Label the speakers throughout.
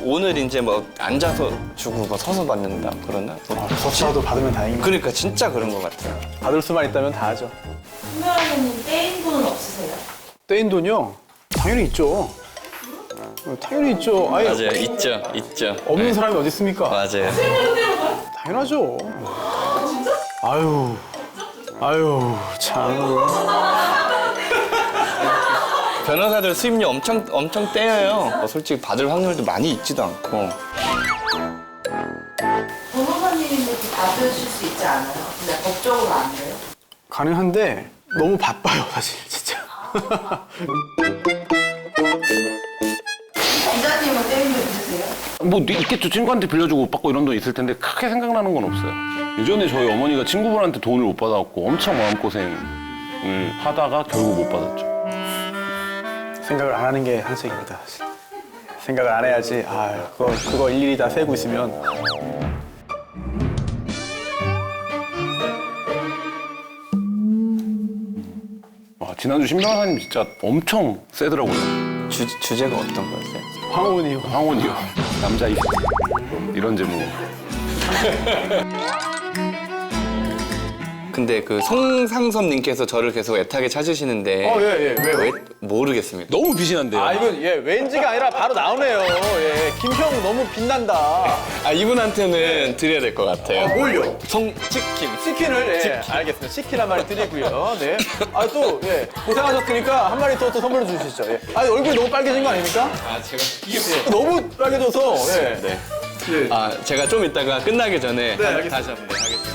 Speaker 1: 오늘 이제 뭐 앉아서 주고 뭐 서서 받는다 그러나? 뭐
Speaker 2: 서치라도 받으면 다행입니다.
Speaker 1: 그러니까 진짜 그런 것 같아요.
Speaker 2: 받을 수만 있다면 다 하죠.
Speaker 3: 선배님 떼인 돈은 없으세요?
Speaker 2: 떼인 돈이요? 당연히 있죠. 당연히 있죠. 아예
Speaker 1: 맞아요. 있죠.
Speaker 2: 없는 사람이 어디 있습니까?
Speaker 1: 맞아요.
Speaker 2: 당연하죠. 아유, 참.
Speaker 1: 변호사들 수입료 엄청 떼어요. 뭐 솔직히 받을 확률도 많이 있지도 않고.
Speaker 3: 변호사님도 받으실 수 있지 않아요? 근데 법적으로 안 돼요?
Speaker 2: 가능한데 너무 바빠요, 사실 진짜.
Speaker 3: 기자님은 떼인 돈 있으세요?
Speaker 4: 뭐 있겠죠. 친구한테 빌려주고 못 받고 이런 돈 있을 텐데 크게 생각나는 건 없어요. 예전에 저희 어머니가 친구분한테 돈을 못 받아갖고 엄청 마음고생을 하다가 결국 못 받았죠.
Speaker 2: 생각을 안 하는 게 한책입니다. 생각을 안 해야지. 그거 일일이 다 세고 있으면.
Speaker 4: 와, 지난주 신 변호사님 진짜 엄청 세더라고요.
Speaker 1: 주제가 어떤 거였어요?
Speaker 2: 황혼이요.
Speaker 4: 황혼이요. 남자 입 이런 제목.
Speaker 1: 근데 그 송상섭님께서 저를 계속 애타게 찾으시는데
Speaker 2: 예.
Speaker 1: 왜 모르겠습니다.
Speaker 4: 너무 빛이 난대요.
Speaker 2: 이거 왠지가 아니라 바로 나오네요. 예, 김형 너무 빛난다.
Speaker 1: 이분한테는 드려야 될 것 같아요.
Speaker 2: 뭘요?
Speaker 1: 송치킨.
Speaker 2: 치킨을 알겠습니다. 치킨 한 마리 드리고요. 네. 고생하셨으니까 한 마리 더 선물로 주시죠. 예. 얼굴이 너무 빨개진 거 아닙니까?
Speaker 1: 제가
Speaker 2: 너무 빨개져서. 예.
Speaker 1: 네. 제가 좀 이따가 끝나기 전에
Speaker 2: 알겠습니다.
Speaker 1: 다시 한번 하겠습니다.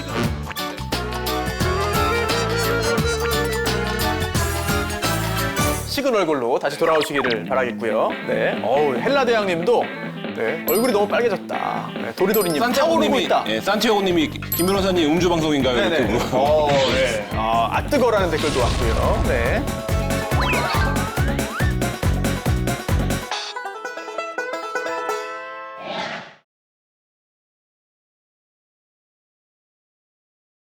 Speaker 2: 식은 얼굴로 다시 돌아오시기를 바라겠고요. 네. 헬라 대왕님도 얼굴이 너무 빨개졌다. 네, 도리도리님 타오르고 있다.
Speaker 4: 예, 산티아고님이 김 변호사님 음주 방송인가요?
Speaker 2: 네네.
Speaker 4: 이렇게 물어보고.
Speaker 2: 네. 뜨거라는 댓글도 왔고요. 네.